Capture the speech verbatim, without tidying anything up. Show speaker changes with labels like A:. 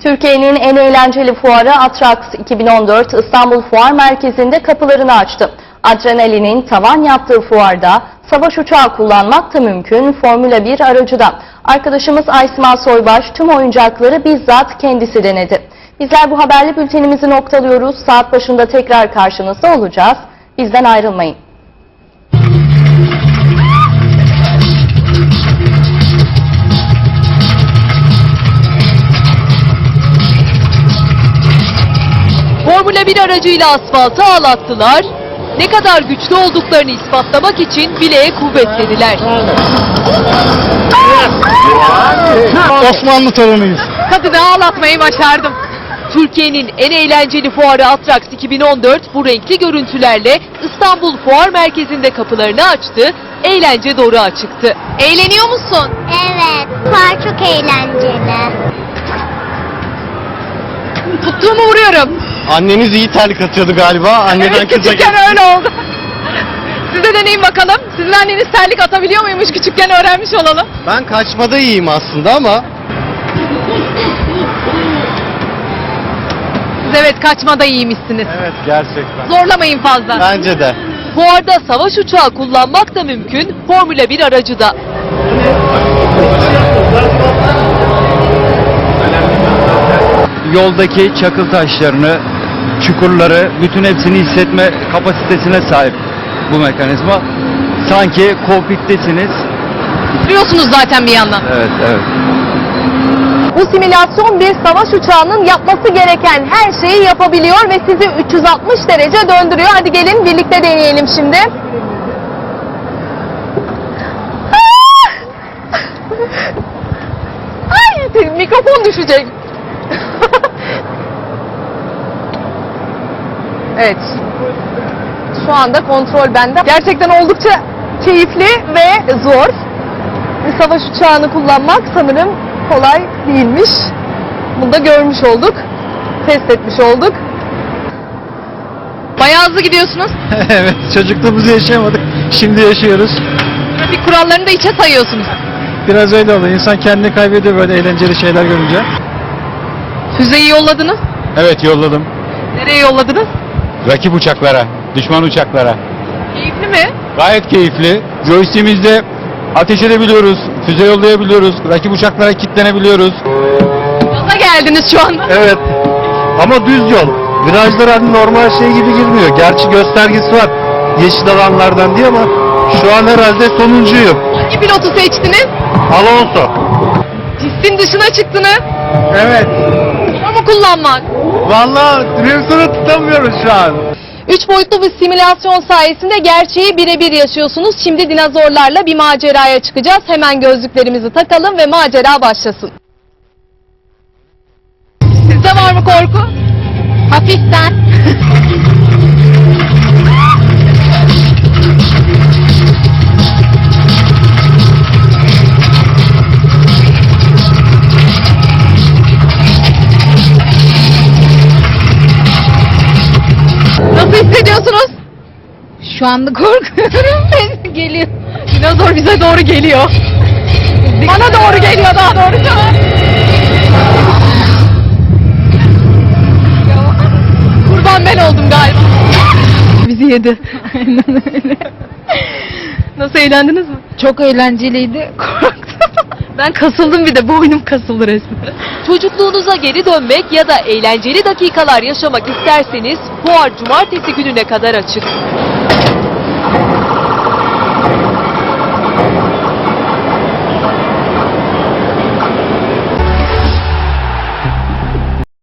A: Türkiye'nin en eğlenceli fuarı Atrax iki bin on dört İstanbul Fuar Merkezi'nde kapılarını açtı. Adrenalinin tavan yaptığı fuarda savaş uçağı kullanmak da mümkün, Formula bir aracı da. Arkadaşımız Aysma Soybaş tüm oyuncakları bizzat kendisi denedi. Bizler bu haberli bültenimizi noktalıyoruz. Saat başında tekrar karşınızda olacağız. Bizden ayrılmayın.
B: Formula bir aracıyla asfaltı ağlattılar, ne kadar güçlü olduklarını ispatlamak için bileğe kuvvet dediler.
C: Osmanlı torunuyuz.
B: Kadını ağlatmayı başardım. Türkiye'nin en eğlenceli fuarı Atrax iki bin on dört bu renkli görüntülerle İstanbul Fuar Merkezi'nde kapılarını açtı, eğlence doruğa çıktı. Eğleniyor musun?
D: Evet, fuar çok eğlenceli.
B: Tuttuğumu vuruyorum.
C: Anneniz iyi terlik atıyordu galiba. Anneden
B: Evet,
C: kıza
B: küçükken
C: geçti.
B: öyle oldu. Size deneyin bakalım. Sizin anneniz terlik atabiliyor muymuş? Küçükken öğrenmiş olalım.
C: Ben kaçmada iyiyim aslında ama
B: Siz evet kaçmada iyiymişsiniz.
C: evet gerçekten.
B: Zorlamayın fazla.
C: Bence de.
B: Fuarda savaş uçağı kullanmak da mümkün, Formula bir aracı da.
E: Yoldaki çakıl taşlarını, çukurları, bütün hepsini hissetme kapasitesine sahip bu mekanizma. Sanki kokpittesiniz.
B: Biliyorsunuz zaten bir yandan.
E: Evet, evet.
A: Bu simülasyon bir savaş uçağının yapması gereken her şeyi yapabiliyor ve sizi üç yüz altmış derece döndürüyor. Hadi gelin birlikte deneyelim şimdi. Ay, mikrofon düşecek. Evet. Şu anda kontrol bende. Gerçekten oldukça keyifli ve zor. Bir savaş uçağını kullanmak sanırım kolay değilmiş. Bunu da görmüş olduk. Test etmiş olduk.
B: Bayağı hızlı gidiyorsunuz.
C: Evet, çocukluğumuzu yaşayamadık. Şimdi yaşıyoruz.
B: Trafik kurallarını da içe sayıyorsunuz.
C: Biraz öyle oluyor. İnsan kendini kaybediyor böyle eğlenceli şeyler görünce.
B: Füzeyi yolladınız.
C: Evet, yolladım.
B: Nereye yolladınız?
C: Rakip uçaklara, düşman uçaklara.
B: Keyifli mi?
C: Gayet keyifli. Joystick'imizde ateş edebiliyoruz, füze yollayabiliyoruz, rakip uçaklara kilitlenebiliyoruz.
B: Gaza geldiniz şu anda.
C: Evet. Ama düz yol. Virajlar hani normal şey gibi girmiyor. Gerçi göstergesi var yeşil alanlardan diye ama şu an herhalde sonuncuyum.
B: Hangi pilotu seçtiniz?
C: Alonso.
B: Pistin dışına çıktınız.
C: Evet.
B: Ama kullanmak.
C: Vallahi direksiyonu tutamıyoruz şu an.
A: Üç boyutlu bir simülasyon sayesinde gerçeği birebir yaşıyorsunuz. Şimdi dinozorlarla bir maceraya çıkacağız. Hemen gözlüklerimizi takalım ve macera başlasın.
B: Sizde var mı korku?
A: Hafiften.
B: Nasıl hissediyorsunuz?
A: Şu anda korkuyorum. Geliyor.
B: Dinozor bize doğru geliyor. Bana doğru geliyor daha doğrusu. Kurban ben oldum galiba. Bizi yedi. Aynen öyle. Nasıl, eğlendiniz mi?
A: Çok eğlenceliydi.
B: Korktum. Ben kasıldım, bir de boynum kasıldı resmen. Çocukluğunuza geri dönmek ya da eğlenceli dakikalar yaşamak isterseniz fuar cumartesi gününe kadar açık.